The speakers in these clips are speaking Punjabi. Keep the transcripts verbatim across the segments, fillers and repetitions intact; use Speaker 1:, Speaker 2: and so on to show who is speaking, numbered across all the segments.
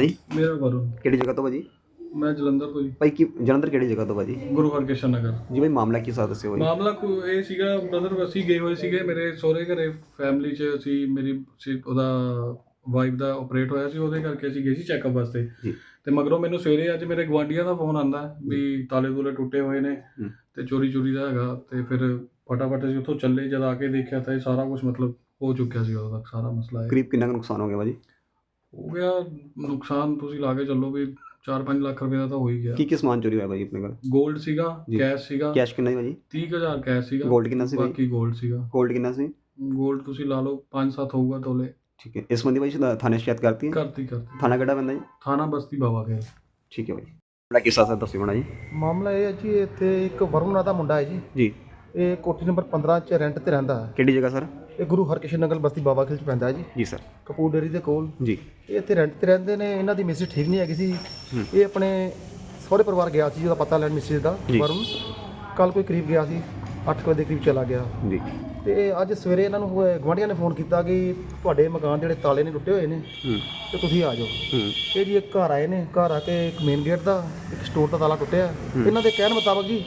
Speaker 1: ਜੀ
Speaker 2: ਮੇਰਾ ਵਰੁਣ।
Speaker 1: ਕਿਹੜੀ ਜਗ੍ਹਾ ਤੋਂ ਭਾਜੀ?
Speaker 2: ਮੈਂ ਜਲੰਧਰ ਤੋਂ ਜੀ।
Speaker 1: ਭਾਈ ਕੀ ਜਲੰਧਰ ਕਿਹੜੀ ਜਗ੍ਹਾ ਤੋਂ ਭਾਜੀ?
Speaker 2: ਗੁਰੂ ਹਰਕ੍ਰਿਸ਼ਨ ਨਗਰ।
Speaker 1: ਜੀ ਭਾਈ ਮਾਮਲਾ ਕੀ ਸਾਥ ਦੱਸਿਓ ਭਾਈ।
Speaker 2: ਮਾਮਲਾ ਕੋ ਇਹ ਸੀਗਾ, ਬ੍ਰਦਰ ਅਸੀਂ ਗਏ ਹੋਏ ਸੀਗੇ ਮੇਰੇ ਸਹੁਰੇ ਘਰੇ, ਫੈਮਿਲੀ 'ਚ ਅਸੀਂ, ਮੇਰੀ ਸੀ ਉਹਦਾ ਵਾਈਫ ਦਾ ਆਪਰੇਟ ਹੋਇਆ ਸੀ, ਉਹਦੇ ਕਰਕੇ ਅਸੀਂ ਗਏ ਸੀ ਚੈੱਕਅਪ ਵਾਸਤੇ।
Speaker 1: ਜੀ
Speaker 2: ਤੇ ਮਗਰੋਂ ਮੈਨੂੰ ਸਵੇਰੇ ਅੱਜ ਮੇਰੇ ਗੁਆਂਢੀਆਂ ਦਾ ਫੋਨ ਆਂਦਾ ਵੀ ਤਾਲੇ ਤੂਲੇ ਟੁੱਟੇ ਹੋਏ ਨੇ
Speaker 1: ਹੂੰ।
Speaker 2: ਤੇ ਚੋਰੀ ਚੋਰੀ ਦਾ ਹੈਗਾ। ਤੇ ਫਿਰ ਫਟਾਫਟ ਅਸੀਂ ਉੱਥੋਂ ਚੱਲੇ, ਜਦ ਆ ਕੇ ਦੇਖਿਆ ਤਾਂ ਇਹ ਸਾਰਾ ਕੁਝ ਮਤਲਬ ਹੋ ਚੁੱਕਿਆ ਸੀ, ਉਦੋਂ ਤੱਕ ਸਾਰਾ ਮਸਲਾ ਇਹ
Speaker 1: ਕਰੀਬ ਕਿੰਨਾ ਕੁ ਨੁਕਸਾਨ ਹੋ ਗਿਆ ਭਾਜੀ?
Speaker 2: ਹੋ ਗਿਆ। ਨੁਕਸਾਨ ਤੁਸੀਂ ਲਾ ਕੇ ਚੱਲੋ ਵੀ ਚਾਰ ਪੰਜ ਲੱਖ ਰੁਪਏ ਦਾ ਤਾਂ ਹੋ ਹੀ ਗਿਆ।
Speaker 1: ਕੀ ਕੀ ਸਮਾਨ ਚੋਰੀ ਹੋਇਆ ਭਾਜੀ ਆਪਣੇ ਕੋਲ?
Speaker 2: ਗੋਲਡ ਸੀਗਾ,
Speaker 1: ਜੀ।
Speaker 2: ਕੈਸ਼ ਸੀਗਾ,
Speaker 1: ਕੈਸ਼ ਕਿੰਨਾ ਸੀ ਭਾਜੀ?
Speaker 2: ਤੀਹ ਕੁ ਹਜ਼ਾਰ ਕੈਸ਼ ਸੀਗਾ।
Speaker 1: ਗੋਲਡ ਕਿੰਨਾ ਸੀ ਭਾਜੀ?
Speaker 2: ਬਾਕੀ ਗੋਲਡ ਸੀਗਾ।
Speaker 1: ਗੋਲਡ ਕਿੰਨਾ ਸੀ?
Speaker 2: ਗੋਲਡ ਤੁਸੀਂ ਲਾ ਲਓ ਪੰਜ ਸੱਤ ਹੋਊਗਾ ਤੋਲੇ।
Speaker 1: ਠੀਕ ਹੈ। ਇਸ ਸੰਬੰਧੀ ਭਾਈ ਸ਼ਿਦਾ- ਥਾਣੇ ਸ਼ਿਕਾਇਤ ਕਰਤੀ ਹੈ?
Speaker 2: ਕਰਤੀ ਕਰਤੀ
Speaker 1: ਥਾਣਾ ਕਿਹੜਾ ਪੈਂਦਾ ਜੀ?
Speaker 2: ਥਾਣਾ ਬਸਤੀ ਬਾਵਾ ਖੇਲ।
Speaker 1: ਠੀਕ ਹੈ ਭਾਈ। ਬੜਾ ਕਿੱਸਾ ਸਰ ਦੱਸਿਓ ਬਣਾ ਜੀ।
Speaker 3: ਮਾਮਲਾ ਇਹ ਹੈ ਜੀ, ਇੱਥੇ ਇੱਕ ਵਰੁਣ ਨਾਂ ਦਾ ਮੁੰਡਾ ਹੈ ਜੀ।
Speaker 1: ਜੀ
Speaker 3: ਇਹ ਕੋਠੀ ਨੰਬਰ ਪੰਦਰਾਂ 'ਚ ਰੈਂਟ ਤੇ ਰਹਿੰਦਾ ਹੈ।
Speaker 1: ਕਿਹੜੀ ਜਗ੍ਹਾ ਸਰ?
Speaker 3: ਇਹ ਗੁਰੂ ਹਰਕ੍ਰਿਸ਼ਨ ਨਗਰ ਬਸਤੀ ਬਾਵਾ ਖੇਲ 'ਚ ਪੈਂਦਾ ਹੈ ਜੀ,
Speaker 1: ਜੀ ਸਰ।
Speaker 3: ਕਪੂਰ ਡੇਅਰੀ ਦੇ ਕੋਲ।
Speaker 1: ਜੀ
Speaker 3: ਇਹ ਇੱਥੇ ਰੈਂਟ ਤੇ ਰਹਿੰਦੇ ਨੇ। ਇਹਨਾਂ ਦੀ ਮਿਸਿਸ ਠੀਕ ਨਹੀਂ ਹੈਗੀ ਸੀ।
Speaker 1: ਹੂੰ।
Speaker 3: ਇਹ ਆਪਣੇ ਸਹੁਰੇ ਪਰਿਵਾਰ ਗਿਆ ਸੀ, ਜਿਹਦਾ ਪਤਾ ਲੈਣ ਮਿਸਿਸ ਦਾ।
Speaker 1: ਜੀ।
Speaker 3: ਵਰੁਣ ਕੱਲ ਕੋਈ ਕਰੀਬ ਗਿਆ ਸੀ, ਅੱਠ ਵਜੇ ਦੇ ਕਰੀਬ ਚਲਾ ਗਿਆ।
Speaker 1: ਜੀ
Speaker 3: ਤੇ ਇਹ ਅੱਜ ਸਵੇਰੇ ਇਹਨਾਂ ਨੂੰ ਗੁਆਂਢੀਆਂ ਨੇ ਫੋਨ ਕੀਤਾ ਕਿ ਤੁਹਾਡੇ ਮਕਾਨ ਜਿਹੜੇ ਤਾਲੇ ਨੇ ਟੁੱਟੇ ਹੋਏ ਨੇ
Speaker 1: ਹੂੰ
Speaker 3: ਤੇ ਤੁਸੀਂ ਆ ਜਾਓ।
Speaker 1: ਹੂੰ
Speaker 3: ਇਹ ਜੀ ਇੱਕ ਘਰ ਆਏ ਨੇ, ਘਰ ਆ ਕੇ ਇੱਕ ਮੇਨ ਗੇਟ ਦਾ, ਇੱਕ ਸਟੋਰ ਦਾ ਤਾਲਾ ਟੁੱਟਿਆ।
Speaker 1: ਹੂੰ।
Speaker 3: ਇਹਨਾਂ ਦੇ ਕਹਿਣ ਮੁਤਾਬਕ ਜੀ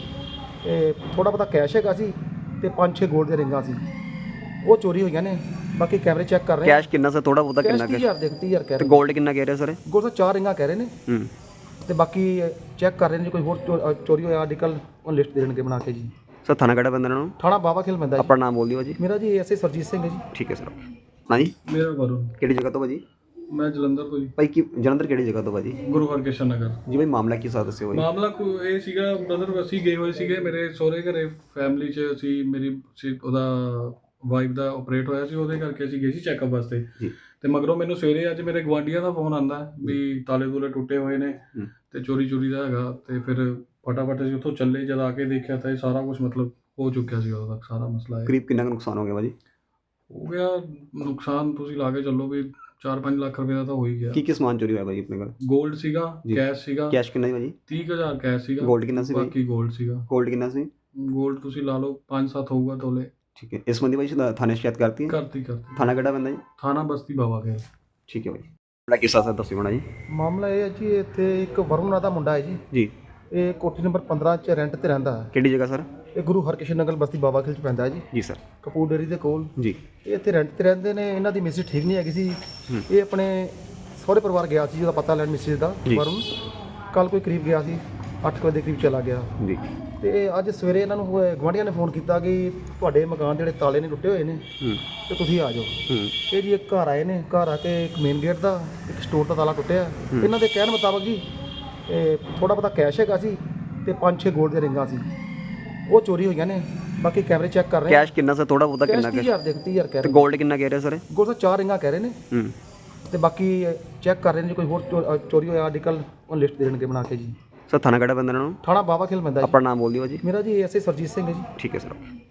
Speaker 3: ਥੋੜਾ ਬਹੁਤਾ ਕੈਸ਼ ਹੈਗਾ ਸੀ ਤੇ ਪੰਜ ਛੇ ਗੋਲਡ ਦੀਆਂ ਰਿੰਗਾਂ ਸੀ, ਉਹ ਚੋਰੀ ਹੋਈਆਂ ਨੇ। ਬਾਕੀ ਕੈਮਰੇ ਚੈੱਕ ਕਰ ਰਹੇ
Speaker 1: ਕੈਸ਼ ਕਿੰਨਾ ਸਰ? ਥੋੜਾ ਬਹੁਤਾ
Speaker 3: ਕੈਸ਼
Speaker 1: ਕਿੰਨਾ
Speaker 3: ਤੀਹ
Speaker 1: ਕੈਸ਼?
Speaker 3: ਹਜ਼ਾਰ ਦੇ ਤੀਹ ਹਜ਼ਾਰ ਕਹਿ
Speaker 1: ਤੇ
Speaker 3: ਰਹੇ।
Speaker 1: ਗੋਲਡ ਕਿੰਨਾ ਕਹਿ ਰਹੇ ਸਰ?
Speaker 3: ਗੋਲਡ ਦਾ ਚਾਰ ਰਿੰਗਾਂ ਕਹਿ ਰਹੇ ਨੇ
Speaker 1: ਹੂੰ
Speaker 3: ਤੇ ਬਾਕੀ ਚੈੱਕ ਕਰ ਰਹੇ ਨੇ, ਜੇ ਕੋਈ ਹੋਰ ਚੋ- ਅ, ਚੋਰੀ ਹੋਇਆ ਅੱਜ ਕੱਲ੍ਹ ਉਹ ਲਿਸਟ ਦੇ ਦੇਣਗੇ ਬਣਾ ਕੇ ਜੀ।
Speaker 1: ਸਰ ਥਾਣਾ ਕਿਹੜਾ ਪੈਂਦਾ ਇਹਨਾਂ ਨੂੰ?
Speaker 3: ਥਾਣਾ ਬਾਵਾ ਖੇਲ ਪੈਂਦਾ ਜੀ।
Speaker 1: ਆਪਣਾ ਨਾਮ ਬੋਲ ਦਿਓ ਭਾਜੀ।
Speaker 3: ਮੇਰਾ G S A Surjit Singh ਹੈ ਜੀ।
Speaker 1: ਠੀਕ ਹੈ ਸਰ। ਹਾਂ ਜੀ
Speaker 2: ਮੇਰਾ ਵਰੁਣ।
Speaker 1: ਕਿਹੜੀ ਜਗ੍ਹਾ ਤੋਂ ਭਾਜੀ?
Speaker 2: ਮੈਂ ਜਲੰਧਰ ਤੋਂ ਜੀ।
Speaker 1: ਭਾਈ ਕੀ ਜਲੰਧਰ ਕਿਹੜੀ ਜਗ੍ਹਾ ਤੋਂ ਭਾਜੀ?
Speaker 2: ਗੁਰੂ ਹਰਕ੍ਰਿਸ਼ਨ ਨਗਰ।
Speaker 1: ਜੀ ਭਾਈ ਮਾਮਲਾ ਕੀ ਸਾਥ ਦੱਸਿਓ ਭਾਈ।
Speaker 2: ਮਾਮਲਾ ਕੋ ਇਹ ਸੀਗਾ, ਬ੍ਰਦਰ ਅਸੀਂ ਗਏ ਹੋਏ ਸੀਗੇ ਮੇਰੇ ਸਹੁਰੇ ਘਰੇ, ਫੈਮਿਲੀ 'ਚ ਅਸੀਂ, ਮੇਰੀ ਸੀ ਉਹਦਾ ਵਾਈਫ ਦਾ ਆਪਰੇਟ ਹੋਇਆ ਸੀ, ਉਹਦੇ ਕਰਕੇ ਅਸੀਂ ਗਏ ਸੀ ਚੈੱਕਅਪ ਵਾਸਤੇ।
Speaker 1: ਜੀ
Speaker 2: ਤੇ ਮਗਰੋਂ ਮੈਨੂੰ ਸਵੇਰੇ ਅੱਜ ਮੇਰੇ ਗੁਆਂਢੀਆਂ ਦਾ ਫੋਨ ਆਂਦਾ ਵੀ ਤਾਲੇ ਤੂਲੇ ਟੁੱਟੇ ਹੋਏ ਨੇ
Speaker 1: ਹੂੰ।
Speaker 2: ਤੇ ਚੋਰੀ ਚੋਰੀ ਦਾ ਹੈਗਾ। ਤੇ ਫਿਰ ਫਟਾਫਟ ਅਸੀਂ ਉੱਥੋਂ ਚੱਲੇ, ਜਦ ਆ ਕੇ ਦੇਖਿਆ ਤਾਂ ਇਹ ਸਾਰਾ ਕੁਝ ਮਤਲਬ ਹੋ ਚੁੱਕਿਆ ਸੀ, ਉਦੋਂ ਤੱਕ ਸਾਰਾ ਮਸਲਾ ਇਹ
Speaker 1: ਕਰੀਬ ਕਿੰਨਾ ਕੁ ਨੁਕਸਾਨ ਹੋ ਗਿਆ ਭਾਜੀ?
Speaker 2: ਹੋ ਗਿਆ। ਨੁਕਸਾਨ ਤੁਸੀਂ ਲਾ ਕੇ ਚੱਲੋ ਵੀ ਚਾਰ ਪੰਜ ਲੱਖ ਰੁਪਏ ਦਾ ਤਾਂ ਹੋ ਹੀ ਗਿਆ।
Speaker 1: ਕੀ ਕੀ ਸਮਾਨ ਚੋਰੀ ਹੋਇਆ ਭਾਜੀ ਆਪਣੇ ਕੋਲ?
Speaker 2: ਗੋਲਡ ਸੀਗਾ,
Speaker 1: ਜੀ।
Speaker 2: ਕੈਸ਼ ਸੀਗਾ,
Speaker 1: ਕੈਸ਼ ਕਿੰਨਾ ਸੀ ਭਾਜੀ?
Speaker 2: ਤੀਹ ਕੁ ਹਜ਼ਾਰ ਕੈਸ਼ ਸੀਗਾ।
Speaker 1: ਗੋਲਡ ਕਿੰਨਾ ਸੀ ਭਾਜੀ?
Speaker 2: ਬਾਕੀ ਗੋਲਡ ਸੀਗਾ।
Speaker 1: ਗੋਲਡ ਕਿੰਨਾ ਸੀ?
Speaker 2: ਗੋਲਡ ਤੁਸੀਂ ਲਾ ਲਓ ਪੰਜ ਸੱਤ ਹੋਊਗਾ ਤੋਲੇ।
Speaker 1: ਠੀਕ ਹੈ। ਇਸ ਸੰਬੰਧੀ ਭਾਈ ਸ਼ਿਦਾ- ਥਾਣੇ ਸ਼ਿਕਾਇਤ ਕਰਤੀ ਹੈ?
Speaker 2: ਕਰਤੀ ਕਰਤੀ
Speaker 1: ਥਾਣਾ ਕਿਹੜਾ ਪੈਂਦਾ ਜੀ?
Speaker 2: ਥਾਣਾ ਬਸਤੀ ਬਾਵਾ ਖੇਲ।
Speaker 1: ਠੀਕ ਹੈ ਭਾਈ। ਬੜਾ ਕਿੱਸਾ ਸਰ ਦੱਸਿਓ ਬਣਾ ਜੀ।
Speaker 3: ਮਾਮਲਾ ਇਹ ਹੈ ਜੀ, ਇੱਥੇ ਇੱਕ ਵਰੁਣ ਨਾਂ ਦਾ ਮੁੰਡਾ ਹੈ ਜੀ।
Speaker 1: ਜੀ
Speaker 3: ਇਹ ਕੋਠੀ ਨੰਬਰ ਪੰਦਰਾਂ 'ਚ ਰੈਂਟ ਤੇ ਰਹਿੰਦਾ ਹੈ।
Speaker 1: ਕਿਹੜੀ ਜਗ੍ਹਾ ਸਰ?
Speaker 3: ਇਹ ਗੁਰੂ ਹਰਕ੍ਰਿਸ਼ਨ ਨਗਰ ਬਸਤੀ ਬਾਵਾ ਖੇਲ 'ਚ ਪੈਂਦਾ ਹੈ ਜੀ,
Speaker 1: ਜੀ ਸਰ।
Speaker 3: ਕਪੂਰ ਡੇਅਰੀ ਦੇ ਕੋਲ।
Speaker 1: ਜੀ
Speaker 3: ਇਹ ਇੱਥੇ ਰੈਂਟ ਤੇ ਰਹਿੰਦੇ ਨੇ। ਇਹਨਾਂ ਦੀ ਮਿਸਿਸ ਠੀਕ ਨਹੀਂ ਹੈਗੀ ਸੀ।
Speaker 1: ਹੂੰ।
Speaker 3: ਇਹ ਆਪਣੇ ਸਹੁਰੇ ਪਰਿਵਾਰ ਗਿਆ ਸੀ, ਜਿਹਦਾ ਪਤਾ ਲੈਣ ਮਿਸਿਸ ਦਾ।
Speaker 1: ਜੀ।
Speaker 3: ਵਰੁਣ ਕੱਲ ਕੋਈ ਕਰੀਬ ਗਿਆ ਸੀ, ਅੱਠ ਵਜੇ ਦੇ ਕਰੀਬ ਚਲਾ ਗਿਆ।
Speaker 1: ਜੀ
Speaker 3: ਤੇ ਅੱਜ ਸਵੇਰੇ ਇਹਨਾਂ ਨੂੰ ਗੁਆਂਢੀਆਂ ਨੇ ਫੋਨ ਕੀਤਾ ਕਿ ਤੁਹਾਡੇ ਮਕਾਨ ਜਿਹੜੇ ਤਾਲੇ ਨੇ ਟੁੱਟੇ ਹੋਏ ਨੇ
Speaker 1: ਹੂੰ
Speaker 3: ਤੇ ਤੁਸੀਂ ਆ ਜਾਓ।
Speaker 1: ਹੂੰ
Speaker 3: ਇਹ ਜੀ ਇੱਕ ਘਰ ਆਏ ਨੇ, ਘਰ ਆ ਕੇ ਇੱਕ ਮੇਨ ਗੇਟ ਦਾ, ਇੱਕ ਸਟੋਰ ਦਾ ਤਾਲਾ ਟੁੱਟਿਆ।
Speaker 1: ਹੂੰ।
Speaker 3: ਇਹਨਾਂ ਦੇ ਕਹਿਣ ਮੁਤਾਬਕ ਜੀ ਥੋੜਾ ਬਹੁਤਾ ਕੈਸ਼ ਹੈਗਾ ਸੀ ਤੇ ਪੰਜ ਛੇ ਗੋਲਡ ਦੀਆਂ ਰਿੰਗਾਂ ਸੀ, ਉਹ ਚੋਰੀ ਹੋਈਆਂ ਨੇ। ਬਾਕੀ ਕੈਮਰੇ ਚੈੱਕ ਕਰ ਰਹੇ
Speaker 1: ਕੈਸ਼ ਕਿੰਨਾ ਸਰ? ਥੋੜਾ ਬਹੁਤਾ
Speaker 3: ਕੈਸ਼
Speaker 1: ਕਿੰਨਾ
Speaker 3: ਤੀਹ
Speaker 1: ਕੈਸ਼?
Speaker 3: ਹਜ਼ਾਰ ਦੇ ਤੀਹ ਹਜ਼ਾਰ ਕਹਿ
Speaker 1: ਤੇ
Speaker 3: ਰਹੇ।
Speaker 1: ਗੋਲਡ ਕਿੰਨਾ ਕਹਿ ਰਹੇ ਸਰ?
Speaker 3: ਗੋਲਡ ਦਾ ਚਾਰ ਰਿੰਗਾਂ ਕਹਿ ਰਹੇ ਨੇ
Speaker 1: ਹੂੰ
Speaker 3: ਤੇ ਬਾਕੀ ਚੈੱਕ ਕਰ ਰਹੇ ਨੇ, ਜੇ ਕੋਈ ਹੋਰ ਚੋ- ਅ, ਚੋਰੀ ਹੋਇਆ ਅੱਜ ਕੱਲ੍ਹ ਉਹ ਲਿਸਟ ਦੇ ਦੇਣਗੇ ਬਣਾ ਕੇ ਜੀ।
Speaker 1: ਸਰ ਥਾਣਾ ਕਿਹੜਾ ਪੈਂਦਾ ਇਹਨਾਂ ਨੂੰ?
Speaker 3: ਥਾਣਾ ਬਾਵਾ ਖੇਲ ਪੈਂਦਾ ਜੀ।
Speaker 1: ਆਪਣਾ ਨਾਮ ਬੋਲ ਦਿਓ ਭਾਜੀ।
Speaker 3: ਮੇਰਾ G S A Surjit Singh ਹੈ ਜੀ।
Speaker 1: ਠੀਕ ਹੈ ਸਰ।